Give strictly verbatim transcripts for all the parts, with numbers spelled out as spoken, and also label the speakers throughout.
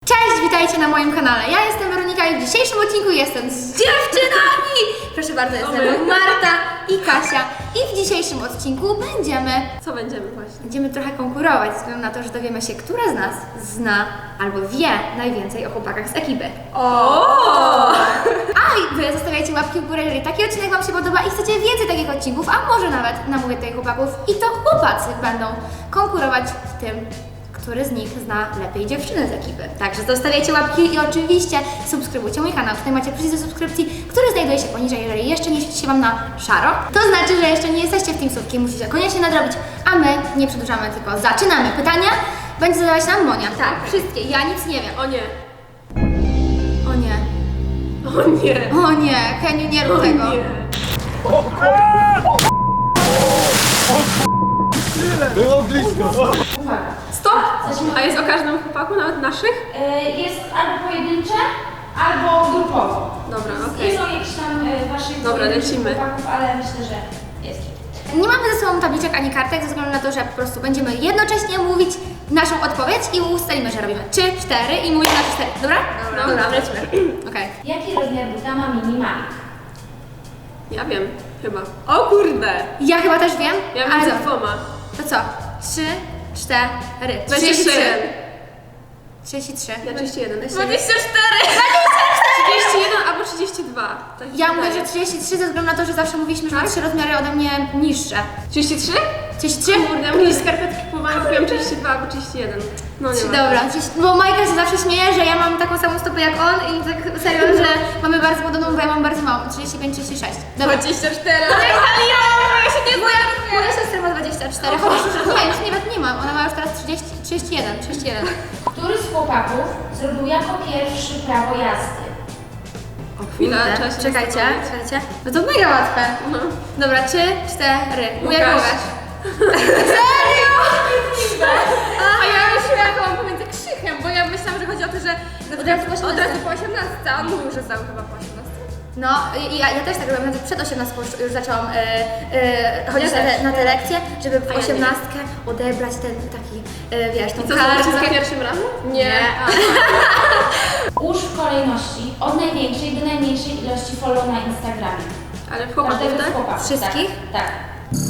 Speaker 1: Cześć, witajcie na moim kanale. Ja jestem Weronika i w dzisiejszym odcinku jestem z dziewczynami. Proszę bardzo, jest ze mną Marta i Kasia. I w dzisiejszym odcinku będziemy...
Speaker 2: Co będziemy właśnie?
Speaker 1: Będziemy trochę konkurować, ze względu na to, że dowiemy się, która z nas zna albo wie najwięcej o chłopakach z ekipy.
Speaker 2: O!
Speaker 1: A i wy zostawiajcie łapki w górę, jeżeli taki odcinek wam się podoba i chcecie więcej takich odcinków, a może nawet namówię tutaj chłopaków i to chłopacy będą konkurować w tym, który z nich zna lepiej dziewczyny z ekipy. Także zostawiajcie łapki i oczywiście subskrybujcie mój kanał. Tutaj macie przycisk do subskrypcji, który znajduje się poniżej. Jeżeli jeszcze nie świeci się wam na szaro, to znaczy, że jeszcze nie jesteście w tym słówki. Musicie koniecznie nadrobić, a my nie przedłużamy, tylko zaczynamy. Pytania będzie zadawać nam Monia. Tak, wszystkie. Ja nic nie wiem.
Speaker 2: O nie.
Speaker 1: O nie.
Speaker 2: O nie.
Speaker 1: O nie. Heniu, nie rób
Speaker 2: O
Speaker 1: tego.
Speaker 2: nie.
Speaker 3: Było blisko.
Speaker 4: Uwaga.
Speaker 2: Stop! A jest o każdym chłopaku, nawet naszych?
Speaker 4: Y, Jest albo pojedyncze, albo grupowo.
Speaker 2: Dobra,
Speaker 4: Nie
Speaker 2: okej.
Speaker 4: są jakieś tam y, waszych
Speaker 2: Dobra,
Speaker 4: pojedynczych
Speaker 2: lecimy.
Speaker 4: chłopaków, ale myślę, że jest.
Speaker 1: Nie mamy ze sobą tabliczek ani kartek, ze względu na to, że po prostu będziemy jednocześnie mówić naszą odpowiedź i ustalimy, że robimy trzy, cztery i mówimy na cztery. Dobra?
Speaker 2: Dobra.
Speaker 1: Dobra, lecimy. Okej.
Speaker 4: Jaki rozmiar buta ma mini Mike?
Speaker 2: Ja wiem, chyba. O kurde!
Speaker 1: Ja chyba też wiem.
Speaker 2: Ja
Speaker 1: ale
Speaker 2: między
Speaker 1: co?
Speaker 2: dwoma.
Speaker 1: To co? Trzy, cztery.
Speaker 2: dwadzieścia trzy.
Speaker 1: trzydzieści trzy.
Speaker 2: Ja trzydzieści jeden.
Speaker 1: dwadzieścia
Speaker 2: cztery! trzydzieści jeden albo trzydzieści dwa. Tak mi się
Speaker 1: Ja mówię,
Speaker 2: wydaje.
Speaker 1: że trzydzieści trzy ze względu na to, że zawsze mówiliśmy, że ma
Speaker 2: Tak?
Speaker 1: trzy rozmiary ode mnie niższe.
Speaker 2: trzydzieści trzy?
Speaker 1: trzydzieści trzy?
Speaker 2: Kurde, ja mówię, że skarpetki kupowałam, kupiłam trzydzieści dwa albo trzydzieści jeden. No nie ma.
Speaker 1: Dobra, trzydzieści bo Majka się zawsze śmieje, że ja mam taką samą stopę jak on i tak serio, że mamy bardzo podobną, bo ja mam bardzo małą. trzydzieści pięć, trzydzieści sześć. Dobra.
Speaker 2: dwadzieścia cztery.
Speaker 1: Ja się nie boję. Moja siostra ma dwadzieścia cztery. Chociaż już nie, już nawet nie ma. Ona ma już teraz trzydzieści, trzydzieści jeden. trzydzieści jeden.
Speaker 4: Który z chłopaków zrobił jako pierwszy prawo jazdy?
Speaker 2: O chwila,
Speaker 1: Kurde,
Speaker 2: trzeba się
Speaker 1: Czekajcie,
Speaker 2: zastanowić.
Speaker 1: czekajcie. No to mega łatwe.
Speaker 2: No.
Speaker 1: Dobra, trzy, cztery. Ujak
Speaker 2: Łukasz.
Speaker 1: Łukasz. Serio? A ja myślałam, jak mam pomiędzy krzychem, bo ja myślałam, że chodzi o to, że od razu po
Speaker 2: Od razu
Speaker 1: osiemnastce.
Speaker 2: po osiemnastce, a on mówił, że zdał chyba po osiemnastce.
Speaker 1: No, i ja, ja też tak robiłam, nawet przed osiemnastką już, już zaczęłam e, e, chodzić na te, na te lekcje, żeby w
Speaker 2: A ja nie.
Speaker 1: osiemnastkę odebrać ten taki, e, wiesz, tą
Speaker 2: I co, zobaczycie za
Speaker 1: kartkę.
Speaker 2: pierwszym razem?
Speaker 1: Nie.
Speaker 2: A.
Speaker 4: Ułóż w kolejności od największej do najmniejszej ilości follow na Instagramie.
Speaker 2: Ale w chłopaków,
Speaker 4: Każdego z
Speaker 2: tak?
Speaker 4: chłopaków.
Speaker 1: Wszystkich?
Speaker 4: Tak. tak.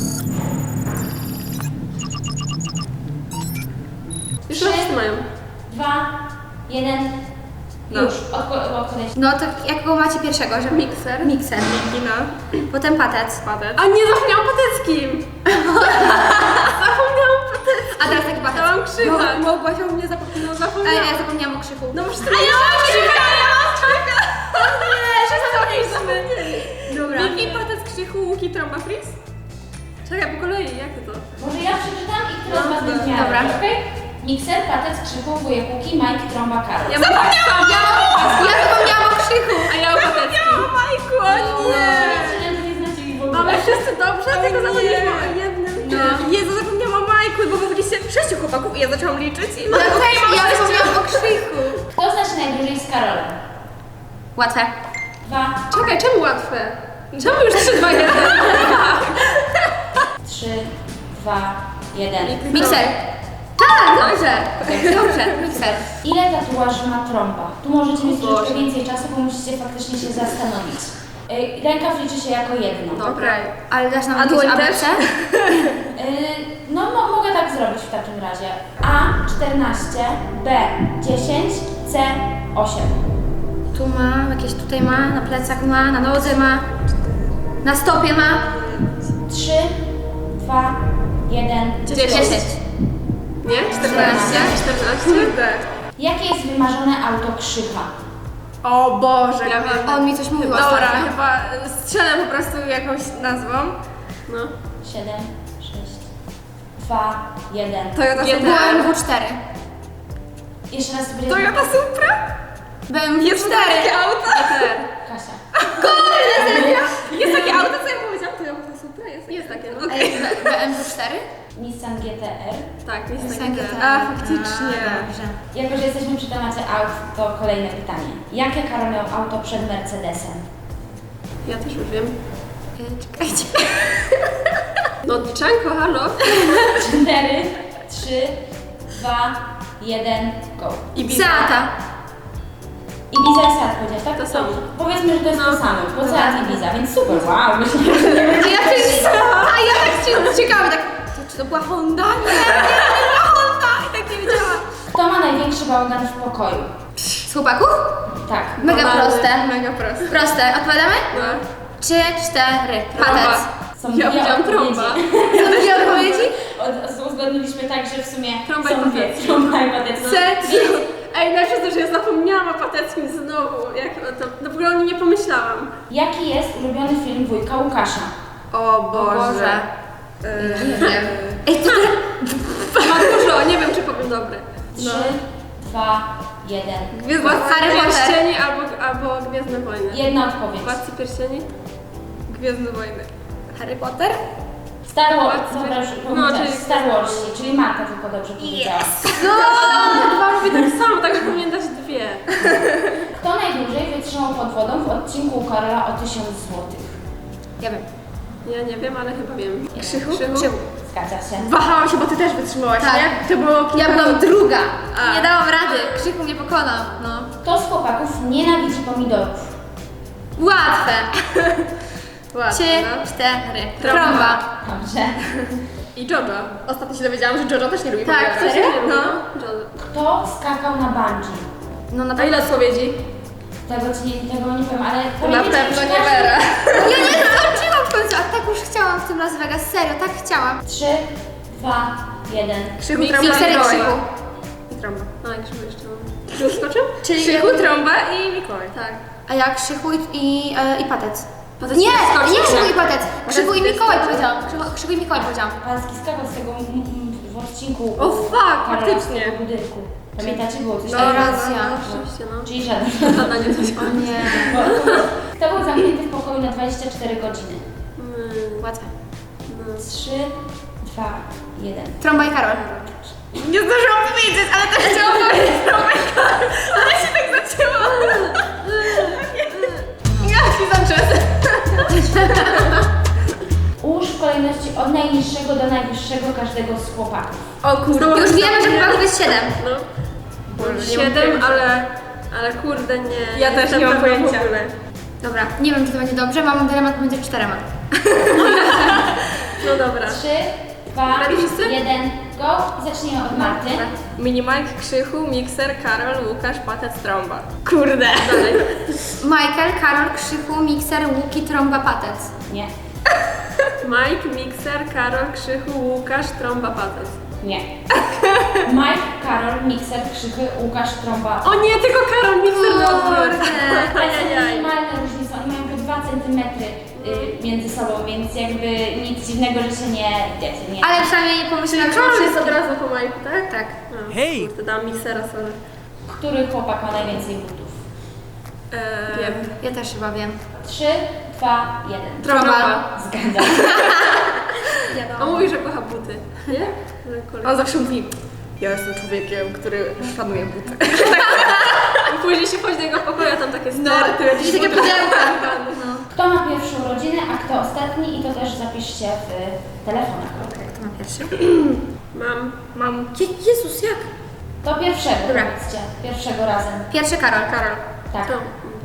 Speaker 2: Już wszyscy mają.
Speaker 4: Dwa, jeden,
Speaker 2: No.
Speaker 4: już. Odpo- odpowiedź.
Speaker 1: No to jakiego macie pierwszego, że
Speaker 2: Mikser.
Speaker 1: Mikser.
Speaker 2: Mikina.
Speaker 1: Potem patec.
Speaker 2: Patec. A nie, zapomniałam pateckim! Zapomniałam pateckim!
Speaker 1: A teraz taki patec.
Speaker 2: Dałam krzycha.
Speaker 1: No.
Speaker 2: Małgosia u mnie zapomniała.
Speaker 1: A
Speaker 2: Zapomniałam.
Speaker 1: ja zapomniałam o krzyku.
Speaker 2: No masz tyle. A ja mam krzycha! Ja mam krzycha! Nie, że zapomnieliśmy.
Speaker 1: Dobra.
Speaker 2: Miki, patec, krzychu, łuki, trąba, fris? Czekaj, po kolei, jak to?
Speaker 4: Może ja przeczytam i która z was
Speaker 2: Dobra.
Speaker 4: będzie miała,
Speaker 1: Dobra.
Speaker 4: okej? Mikser, patec, krzyku, wujek Łuki, Mike, trąba, Karol.
Speaker 2: Ja zapomniałam! Ja,
Speaker 1: Ja zapomniałam o krzyku.
Speaker 2: a ja o pateckim. Ja o Majku, o nie!
Speaker 4: Że nie znacie ich w ogóle.
Speaker 2: Mamy wszyscy dobrze,
Speaker 1: O
Speaker 2: tylko
Speaker 1: nie.
Speaker 2: zapomnieliśmy o jednym.
Speaker 1: No.
Speaker 2: Jezu, zapomniałam o Majku, bo wy byliście sześciu chłopaków i ja zaczęłam liczyć i
Speaker 1: No też, ja zapomniałam o krzyku.
Speaker 4: Kto zna się najdłużej z Karolem?
Speaker 1: Łatwe.
Speaker 4: Dwa,
Speaker 2: Czekaj, czemu łatwe? Czemu już trzy, dwa, jeden?
Speaker 4: trzy, dwa, jeden.
Speaker 1: Mikser. Tak, dobrze. Dobrze, mikser.
Speaker 4: Ile tatuaży ma trąba? Tu możecie mieć
Speaker 2: Boże.
Speaker 4: troszkę więcej czasu, bo musicie faktycznie się zastanowić. Ej, Rękaw liczy się jako jedno.
Speaker 2: Dobra.
Speaker 1: Ale dasz nam
Speaker 2: A
Speaker 1: jakieś
Speaker 2: dłoń
Speaker 1: A B
Speaker 2: też?
Speaker 1: C?
Speaker 4: Yy, no mo- mogę tak zrobić w takim razie. A czternaście, B dziesięć, C osiem.
Speaker 1: Tu ma, jakieś tutaj ma, na plecach ma, na nodze ma, na stopie ma.
Speaker 4: trzy, dwa, jeden.
Speaker 1: dziesięć.
Speaker 2: Nie? czternaście? czternaście? Tak.
Speaker 4: Jakie jest wymarzone auto Krzycha?
Speaker 2: O Boże, ja wiem.
Speaker 1: On mi coś mówił
Speaker 2: Dobra,
Speaker 1: ostatnio.
Speaker 2: chyba strzelę po prostu jakąś nazwą. No.
Speaker 4: siedem, sześć, dwa, jeden.
Speaker 2: Toyota
Speaker 1: B M W cztery.
Speaker 4: Jeszcze raz sobie
Speaker 2: Toyota Supra?
Speaker 1: B M W
Speaker 2: Jest
Speaker 1: cztery.
Speaker 2: takie auto?
Speaker 4: Kasia.
Speaker 2: Jest takie auto, co ja powiedziałam? Toyota Supra? Jest, jest takie.
Speaker 1: A
Speaker 2: Okej.
Speaker 1: jest B- BMW cztery?
Speaker 4: Nissan G T R.
Speaker 2: Tak, jest
Speaker 1: Nissan
Speaker 2: takie.
Speaker 1: G T R.
Speaker 2: A, faktycznie.
Speaker 1: A, dobrze.
Speaker 4: Jako, że jesteśmy przy temacie aut, to kolejne pytanie. Jakie Karol miał auto przed Mercedesem?
Speaker 2: Ja też już wiem.
Speaker 1: Y, Czekajcie.
Speaker 2: No odliczanko, halo?
Speaker 4: cztery, trzy, dwa, jeden, go.
Speaker 2: Ibiza.
Speaker 1: Seata.
Speaker 4: Ibiza i Seat powiedziałeś, tak?
Speaker 2: To samo.
Speaker 4: Powiedzmy, że to jest
Speaker 2: No.
Speaker 4: to samo, bo Seat i Ibiza, więc super, wow, myślę, że nie będzie.
Speaker 1: Ja też, a ja tak ci- ciekawe, tak, to, czy to była Honda? Nie, nie, nie była Honda! I tak nie wiedziałam.
Speaker 4: Kto ma największy bałagan w pokoju?
Speaker 1: Z chłopaków?
Speaker 4: Tak.
Speaker 1: Mega
Speaker 2: Banalne,
Speaker 1: proste.
Speaker 2: Mega proste.
Speaker 1: Proste. Odpowiadamy?
Speaker 2: No.
Speaker 1: Trzy, cztery.
Speaker 2: Trąba.
Speaker 1: Patec.
Speaker 4: Są
Speaker 2: Ja
Speaker 4: dwie
Speaker 2: powiedziałam
Speaker 4: odpowiedzi.
Speaker 2: trąba.
Speaker 1: Co dwie odpowiedzi?
Speaker 4: Od- Uzgodniliśmy tak, że w sumie
Speaker 2: Trąba
Speaker 4: są
Speaker 2: i
Speaker 4: dwie.
Speaker 2: patec.
Speaker 4: Trąba i patec. No.
Speaker 2: Ej, najpierw to, że ja zapomniałam o Pateckim znowu. Jak to, no w ogóle o nim nie pomyślałam.
Speaker 4: Jaki jest ulubiony film wujka Łukasza?
Speaker 2: O
Speaker 1: Boże.
Speaker 2: Yy,
Speaker 1: Nie wiem. Ej, to
Speaker 2: Ma dużo, nie wiem czy powiem dobre.
Speaker 4: Trzy, dwa, jeden.
Speaker 2: Gwiezdne
Speaker 1: Harry Potter.
Speaker 2: Pierścieni albo, albo Gwiezdne Wojny.
Speaker 4: Jedna odpowiedź.
Speaker 2: Władcy Pierścieni? Gwiezdne Wojny.
Speaker 1: Harry Potter?
Speaker 4: Star Wars.
Speaker 2: Władcy
Speaker 4: Dobra, już
Speaker 2: Pierścieni.
Speaker 4: powiedziałaś.
Speaker 2: No, czyli-
Speaker 4: Star Wars, czyli Marta tylko dobrze powiedziała.
Speaker 2: No! Dwa robi tak samo, także powinien dać dwie.
Speaker 4: Kto najdłużej wytrzymał pod wodą w odcinku u Karola o tysiąc złotych?
Speaker 1: Ja wiem.
Speaker 2: Ja nie wiem, ale chyba wiem.
Speaker 1: Krzychu?
Speaker 2: Krzychu?
Speaker 1: Krzychu.
Speaker 4: Zgadza się.
Speaker 2: Wahałam się, bo ty też wytrzymałaś,
Speaker 1: Tak.
Speaker 2: nie? To było kilka
Speaker 1: Ja byłam druga.
Speaker 2: A.
Speaker 1: Nie dałam rady. Krzychu mnie pokonał. No.
Speaker 4: Kto z chłopaków nienawidzi pomidorów?
Speaker 1: Łatwe.
Speaker 2: Łatwe,
Speaker 1: Trzy,
Speaker 2: no.
Speaker 1: cztery.
Speaker 2: Trąba.
Speaker 1: Trąba.
Speaker 4: Dobrze.
Speaker 2: I Jojo. Ostatnio się dowiedziałam, że Jojo też nie lubi
Speaker 1: Tak,
Speaker 2: pomidorów.
Speaker 1: serio?
Speaker 2: No.
Speaker 1: No.
Speaker 2: Jojo.
Speaker 4: Kto skakał na bungee?
Speaker 1: No na
Speaker 2: A
Speaker 1: pewno.
Speaker 2: ile odpowiedzi?
Speaker 4: Tego ci nie, tego nie powiem, ale
Speaker 2: Na
Speaker 4: pamiętajcie,
Speaker 2: pewno
Speaker 4: że
Speaker 2: nie
Speaker 4: każdy-
Speaker 2: Vera.
Speaker 1: Ja nie skończyłam w końcu, a tak już chciałam w tym Las Vegas. Serio, tak chciałam.
Speaker 4: Trzy, dwa, jeden.
Speaker 2: Krzychu,
Speaker 1: Mikser
Speaker 2: trąba i
Speaker 1: i
Speaker 2: Mikołaj.
Speaker 1: Krzychu.
Speaker 2: I trąba. A, jak Krzychu jeszcze mam. Krzychu skoczył?
Speaker 1: Czyli
Speaker 2: Krzychu,
Speaker 1: jakby-
Speaker 2: trąba i Mikołaj.
Speaker 1: Tak. A ja Krzychu i, i, e, i Patec.
Speaker 2: Patec
Speaker 1: Nie,
Speaker 2: nie skoczył.
Speaker 1: nie Krzychu i Patec. Krzychu i
Speaker 2: Patec
Speaker 1: Mikołaj
Speaker 2: skoczył.
Speaker 1: powiedziałam. Krzychu, Krzychu i Mikołaj powiedziałam.
Speaker 4: Pański skakał z tego mm, mm, w odcinku
Speaker 2: O, fuck,
Speaker 4: Karola
Speaker 2: faktycznie.
Speaker 4: z tego budynku. Pamiętacie, było coś
Speaker 1: No,
Speaker 4: takiego?
Speaker 1: racja.
Speaker 2: No, oczywiście, no.
Speaker 4: Czyli żaden.
Speaker 2: Zadanie coś.
Speaker 1: O nie.
Speaker 4: Kto był zamknięty w pokoju na dwadzieścia cztery godziny?
Speaker 2: Mm,
Speaker 1: Łatwe.
Speaker 4: Trzy, dwa, jeden.
Speaker 1: Trąba i Karol.
Speaker 2: Nie zdążyłam powiedzieć, ale też chciałam powiedzieć trąba i Karol. Ale się tak zaczęło. Jaki zaczęty.
Speaker 4: Ułóż w kolejności od najniższego do najwyższego każdego z chłopaków.
Speaker 2: O kurde.
Speaker 1: Już wiemy, że chyba jest siedem.
Speaker 2: No.
Speaker 3: Boże, nie mam
Speaker 2: Siedem,
Speaker 3: pojęcia.
Speaker 2: ale... Ale kurde, nie.
Speaker 3: Ja też
Speaker 2: jestem
Speaker 3: nie mam
Speaker 2: pewna w
Speaker 3: pojęcia.
Speaker 2: ogóle.
Speaker 1: Dobra, nie wiem, czy to będzie dobrze. Mam dylemat pomiędzy czterema.
Speaker 2: No dobra.
Speaker 4: Trzy, dwa,
Speaker 2: Ready wszyscy?
Speaker 4: jeden, go. I zacznijmy od Marty.
Speaker 2: Mini Mike, Krzychu, Mikser, Karol, Łukasz, Patec, Trąba. Kurde. Dalej.
Speaker 1: Michael, Karol, Krzychu, Mikser, Łuki, Trąba, Patec.
Speaker 4: Nie,
Speaker 2: Mike, Mikser, Karol, Krzychu, Łukasz, Trąba, Patec.
Speaker 4: nie. Mike, Karol, Mikser, Krzychy, Łukasz, Trąba.
Speaker 2: O nie, tylko Karol, Mikser na odwrót.
Speaker 1: Kurde.
Speaker 2: Ajajaj.
Speaker 4: Minimalne różnice, oni mają po dwa centymetry y, między sobą, więc jakby nic dziwnego, że się nie, wiecie, nie.
Speaker 1: Ale przynajmniej pomyślałam, że
Speaker 2: Karol jest
Speaker 1: wszystko.
Speaker 2: od razu po Majku, tak?
Speaker 1: Tak.
Speaker 2: No,
Speaker 3: Hej!
Speaker 2: Kurde, dałam Miksera, sorry.
Speaker 4: Który chłopak ma najwięcej butów?
Speaker 2: Eee,
Speaker 1: Wiem. Ja też chyba wiem.
Speaker 4: Trzy, dwa, jeden.
Speaker 2: Trąba.
Speaker 4: Zgadzam.
Speaker 2: On mówi, że kocha buty. Nie? Że kolej.
Speaker 3: On zawsze mówi, ja jestem człowiekiem, który szanuje buty.
Speaker 2: I później się chodzi do jego pokoju, a tam takie sterty,
Speaker 1: No, jakieś takie pudełka. No.
Speaker 4: Kto ma pierwszą rodzinę, a kto ostatni? I to też zapiszcie w telefonach.
Speaker 1: Okej, to mam pierwszy.
Speaker 2: Mam.
Speaker 3: Mam...
Speaker 1: Je- Jezus, jak?
Speaker 4: To pierwszego,
Speaker 1: Dobra.
Speaker 4: powiedzcie. Pierwszego razem.
Speaker 1: Pierwszy Karol.
Speaker 2: Karol.
Speaker 4: Tak.
Speaker 2: To.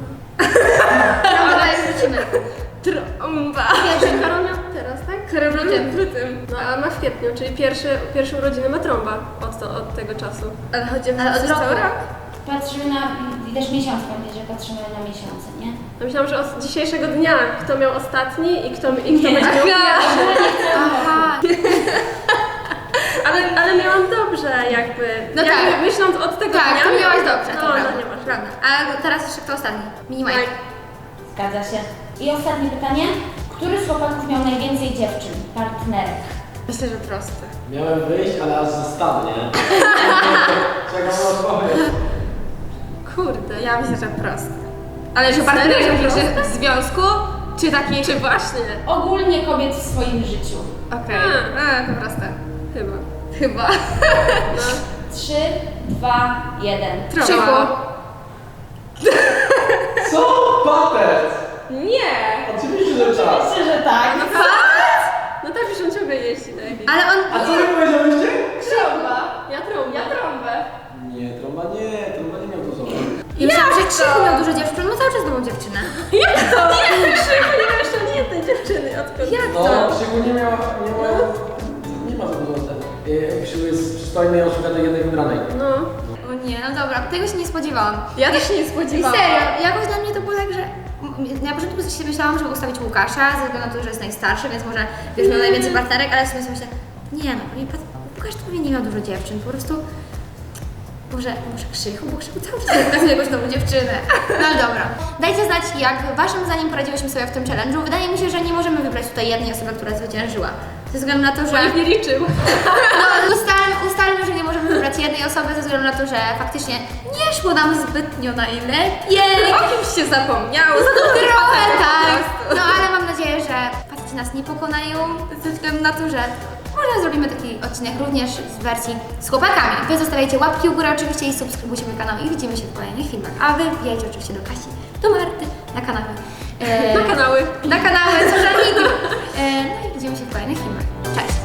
Speaker 1: Trąba, dalej wrócimy.
Speaker 2: Trąba.
Speaker 1: Pierwszy.
Speaker 2: Karol miał teraz, tak? Karol w lutym. W lutym. No, a ma w kwietniu, czyli pierwszy, pierwszą rodzinę ma Trąba od, to, od tego czasu.
Speaker 3: Ale chodzi o
Speaker 1: Ale od
Speaker 3: przez
Speaker 1: roku.
Speaker 3: cały rok?
Speaker 4: Patrzymy na, i też miesiąc, pamiętaj, że patrzymy na miesiące, nie?
Speaker 2: Ja myślałam, że od dzisiejszego dnia, kto miał ostatni i kto, i kto będzie miał
Speaker 1: Aha.
Speaker 2: pierwszy.
Speaker 1: Aha.
Speaker 2: Ale, ale miałam dobrze jakby.
Speaker 1: No
Speaker 2: jakby
Speaker 1: tak.
Speaker 2: myśląc od tego
Speaker 1: Tak,
Speaker 2: dnia.
Speaker 1: to miałaś dobrze.
Speaker 2: No,
Speaker 1: to prawda.
Speaker 2: no nie masz.
Speaker 1: Prawda. A teraz jeszcze kto ostatni? Mini Mike.
Speaker 2: Mike.
Speaker 4: Zgadza się. I ostatnie pytanie. Który z chłopaków miał najwięcej dziewczyn, partnerek?
Speaker 3: Myślę, że proste.
Speaker 5: Miałem wyjść, ale aż zostanę, nie? Czekam na odpowiedź.
Speaker 2: Kurde.
Speaker 3: Ja myślę, że proste. Ale że
Speaker 2: Serio,
Speaker 3: partnerze
Speaker 2: że
Speaker 3: w
Speaker 2: proste?
Speaker 3: związku, czy taki...
Speaker 2: Czy właśnie?
Speaker 4: Ogólnie kobiet w swoim życiu.
Speaker 3: Okej,
Speaker 2: A.
Speaker 3: a to proste.
Speaker 2: Chyba.
Speaker 3: Chyba.
Speaker 2: No.
Speaker 4: Trzy, dwa, jeden.
Speaker 3: Trąba.
Speaker 5: Co? Patec!
Speaker 3: Nie!
Speaker 5: Oczywiście, że czas.
Speaker 4: Myślę, że tak.
Speaker 2: No tak, że on ciągle jeździ na jakiś.
Speaker 1: Ale on...
Speaker 5: A co wy powiedziałyście?
Speaker 2: Trąba. Ja trąba. Ja trąbę.
Speaker 5: Nie, trąba nie, trąba nie miał to sobie.
Speaker 1: Ja myślałam, że że Krzychu miał dużo dziewczyn, ma cały czas nową dziewczynę.
Speaker 2: Jak to? Nie, Krzychu nie ma jeszcze ani jednej dziewczyny. Odkąd?
Speaker 1: Jak
Speaker 5: No,
Speaker 1: to?
Speaker 5: Krzyku nie miała, nie ma, nie ma za dużo ten. Krzyku jest przystojny i on szuka tej jednej wybranej.
Speaker 2: No.
Speaker 1: O nie, no dobra, tego się nie spodziewałam.
Speaker 2: Ja też się nie
Speaker 1: I
Speaker 2: spodziewałam.
Speaker 1: serio, jakoś dla mnie to było tak, że m- na początku sobie myślałam, żeby ustawić Łukasza, ze względu na to, że jest najstarszy, więc może wiesz, miał najwięcej partnerek, ale w sumie sobie myślę, nie no, nie, Pat- Łukasz to pewnie nie miał dużo dziewczyn, po prostu może, może Krzychu, bo Krzychu cały czas pokazuje jakąś nową dziewczynę. No ale dobra. Dajcie znać, jak waszym zdaniem poradziłyśmy sobie w tym challenge'u. Wydaje mi się, że nie możemy wybrać tutaj jednej osoby, która zwyciężyła. Ze względu na to, że...
Speaker 2: Nikt nie liczył.
Speaker 1: No, ustalmy, ustalmy, że nie możemy wybrać jednej osoby ze względu na to, że faktycznie nie szło nam zbytnio najlepiej.
Speaker 2: O kimś się zapomniało.
Speaker 1: Trochę tak. No ale mam nadzieję, że faceci nas nie pokonają ze względu na to, że może zrobimy taki odcinek również z wersji z chłopakami. Wy zostawiajcie łapki u góry oczywiście i subskrybujcie mój kanał i widzimy się w kolejnych filmach. A wy wbijajcie oczywiście do Kasi, do Marty, na kanały. E,
Speaker 2: Na kanały.
Speaker 1: Na kanały social media. E, no i widzimy się w kolejnych filmach. Cześć!